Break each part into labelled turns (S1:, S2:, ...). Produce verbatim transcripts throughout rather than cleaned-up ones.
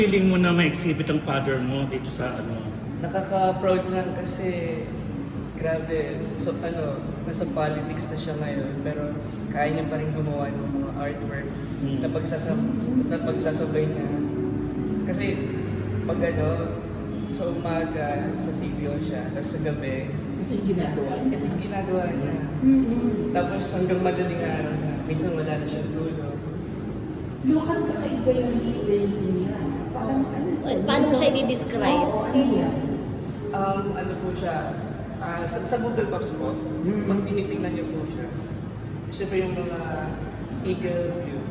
S1: Feeling mo na ma-exhibit ang father mo dito sa ano?
S2: Nakaka-proud lang kasi grabe, so ano, nasa politics na siya ngayon pero kaya niya pa rin gumawa ng mga artwork
S1: Hmm.
S2: na, pagsasab- na pagsasabay niya. Kasi pag ano, sa umaga sa C B O siya, tapos sa gabi,
S3: Ito yung ginagawa niya.
S2: ito yung ginagawa niya.
S3: Mm-hmm.
S2: Tapos hanggang madaling araw na, minsan wala na siyang tulog.
S3: Lucas, kakaiba yung painting niya. Parang ano?
S4: Well, paano mo siya i-describe?
S3: Oo, ano yan?
S2: Um, ano po siya, ah, sa, sa Google Maps po,
S3: Mm.
S2: pag tinitingnan niyo po siya, siya pa yung mga eagle view.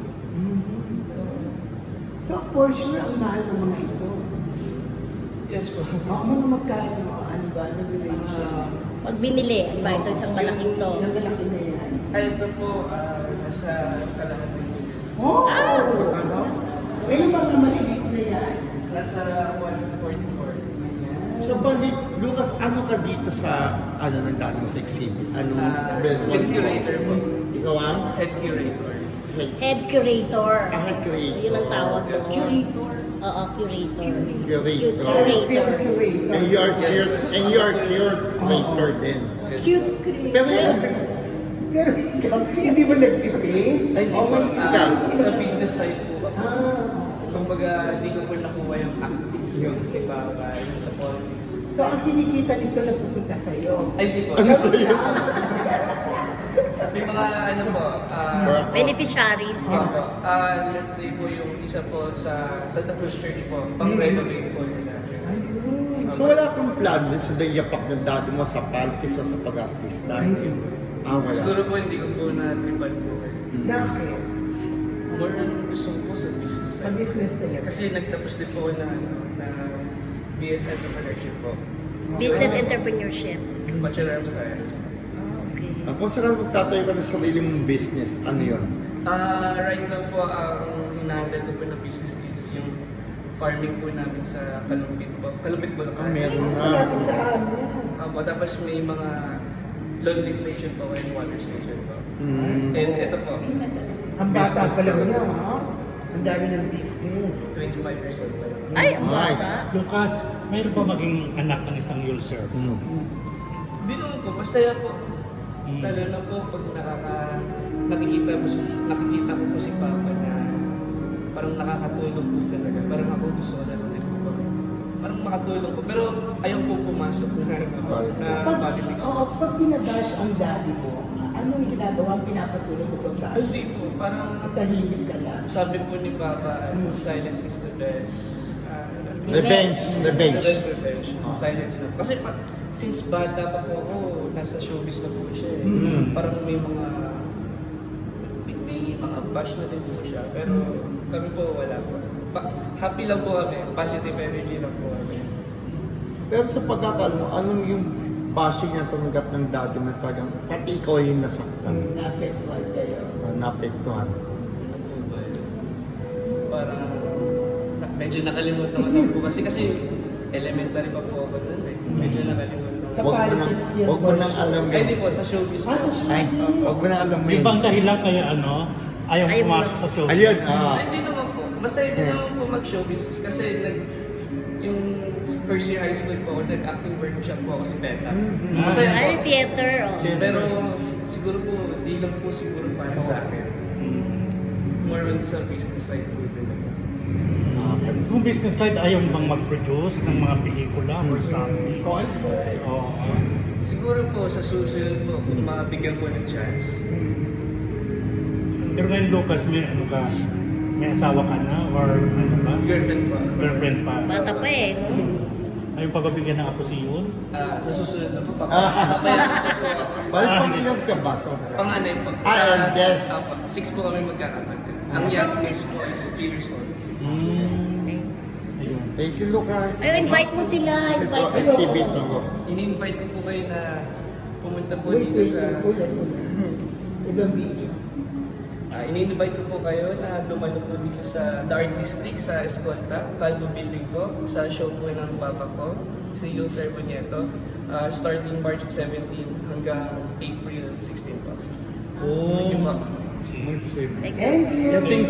S3: So, for sure, ang mahal ng mga ito.
S2: Yes po.
S3: Oo, mga magkano, ano ba, nag-range siya?
S2: Ah,
S4: Pag binili, ano ba, ito isang malaking to.
S3: Yung lalaki na yan.
S2: ay, ito po, ah, nasa kalahati po.
S3: Oh!
S4: Ah!
S3: Ano? Eh, yung mga maliliit na yan.
S2: Nasa one forty-four.
S3: Ayan.
S5: So, Bandit, Lucas, ano ka dito sa, ano, nang dati mo sa exhibit? Ano,
S2: Ah,
S5: well,
S2: head curator po.
S5: Ikaw ang?
S2: Head curator.
S5: Head,
S4: Head curator.
S5: ah, head curator.
S4: Yun ang tawag doon.
S3: Curator.
S4: Oo, curator.
S5: Curator.
S4: Curator.
S3: Curator.
S5: And you're, you're, and you're, you're curator din.
S4: Cute curator.
S5: Pero yun,
S3: Pero ikaw, hindi mo nag-debate?
S2: Ay, hindi
S3: Oh
S2: po.
S3: my
S2: Ah,
S3: God.
S2: sa business side po.
S3: Ah.
S2: Kumbaga, hindi ko po nakuha yung acting skills ni Papa yung sa politics.
S3: So, ang kinikita nito na pupunta sa'yo.
S2: Ay, di po.
S5: Ano sa'yo?
S2: May mga ano po, ah,
S4: Beneficiaries.
S2: Opo. Ah, let's say po yung isa po sa Santa Cruz Church po, pang-renovate po nila.
S3: Ayun.
S5: so wala kang plan din sa yapak ng dati mo sa politics o sa pag-artista? Ah, wala.
S2: Siguro po hindi ko po na-tripan po. eh.
S5: Mm.
S3: Bakit?
S2: More on gusto ko po sa business.
S3: Sa business talaga.
S2: Kasi nagtapos din po ako na, ano, na B S Entrepreneurship po.
S4: Business entrepreneurship.
S2: Bachelor of Science.
S4: Oh, okay.
S5: Ah, kung saan ka magtatayo ka ng sarili mong business, ano yun?
S2: Ah, right now po, ang hinahandle ko po na business is yung farming po namin sa Kalumpit po. Kalumpit po
S5: Ah, meron na.
S3: Malapit sa amin.
S2: Opo, tapos may mga laundry station po and water station po.
S5: Mm.
S2: And ito po,
S3: Ang bata pa lang niya, ha? Ang dami ng business.
S2: twenty-five years old pa lang.
S4: Ay, ang
S5: Ay.
S4: bata.
S1: Lucas, mayroon ba maging anak ng isang ulcer?
S5: Mm.
S2: Hindi naman po, masaya po.
S1: Mm.
S2: Lalo na po pag nakaka, nakikita, mo, si- nakikita ko po si Papa na parang nakakatulong po talaga. Parang ako gusto ko na rin po. Parang makatulong po. Pero ayaw po pumasok na, na
S3: Pag,
S2: politics.
S3: oo, pag binabash ang daddy mo, anong ginagawa ang pinapatuloy mo pag bash?
S2: Hindi po, parang
S3: Tahimik ka lang.
S2: sabi po ni Papa,
S3: Mm.
S2: silence is the best. ah,
S5: Revenge. Revenge.
S2: The best revenge. Silence na. Kasi pa, since bata pa po ako, nasa showbiz na po siya. eh.
S5: Mm.
S2: Parang may mga may, may mga bash na din po siya. Pero kami po wala po. Pa- happy lang po kami. Positive energy lang po kami.
S5: Pero sa pagkakal mo, anong yung bashing na tumanggap ng dati mo na talagang pati ikaw yung nasaktan,
S3: Ang naapektuhan kayo.
S5: uh, naapektuhan?
S2: Ano po ba yun? Parang na, medyo nakalimutan ko na po kasi kasi elementary pa po ako nun eh. Medyo nakalimutan ko.
S3: Sa
S5: Huwag mo nang,
S3: politics yan,
S5: huwag mo
S3: boss.
S5: nang alam
S2: Ay,
S5: yun.
S2: di po, sa showbiz
S3: Ah, sa
S2: po.
S5: Ay,
S3: showbiz.
S5: huwag mo nang alam
S1: Yung
S5: yun.
S1: bang dahilan kaya ano, ayaw
S4: Ayaw
S1: pumasok
S4: mo-
S1: sa show?
S5: Ayun, ah.
S2: Ay, hindi naman po. Masaya din naman po mag-showbiz kasi nag, yung first year high school po ako, nag-acting workshop po ako si Beta.
S3: Mm-hmm.
S2: Masaya
S4: Ay,
S2: po.
S4: theater. Oh.
S5: Theater.
S2: Pero siguro po, di lang po siguro para sa akin. More on sa business side po talaga.
S1: Kung business side, ayaw mo bang mag-produce ng mga pelikula or something?
S3: Concert.
S1: Oo.
S2: Siguro po sa susunod po, kung mabigyan po ng chance.
S1: Pero ngayon, Lucas, may ano ka, may asawa ka na or ano ba?
S2: Girlfriend po.
S1: Girlfriend pa.
S4: Bata pa eh. No?
S1: Ayaw pa ba bigyan ng apo si Yun?
S2: Ah, sa susunod na po,
S5: Ah.
S2: papayaran ko po.
S5: Bakit pang ilan ka ba? So,
S2: Panganay po.
S5: Ah, and yes.
S2: Apo, six po kami magkakapatid. Ang youngest po is three years old.
S1: Mm. Ayun.
S5: thank you, Lucas.
S4: Ay, invite mo sila.
S5: Ito,
S4: Invite mo.
S5: exhibit ako.
S2: Ini-invite ko po kayo na pumunta po
S3: Wait,
S2: dito
S3: wait,
S2: sa...
S3: wait. Ulan, ulan. Ibang video.
S2: Ah, ini-invite ko po kayo na dumalo po dito sa The Art District sa Escolta, Calvo Building po, sa show po ng papa ko, si Yul Servonieto, ah, starting March seventeenth hanggang April sixteenth po.
S1: Oh.
S2: Thank you po.
S5: Mag-save.
S4: Thank you.
S3: Thank you.
S5: Yung things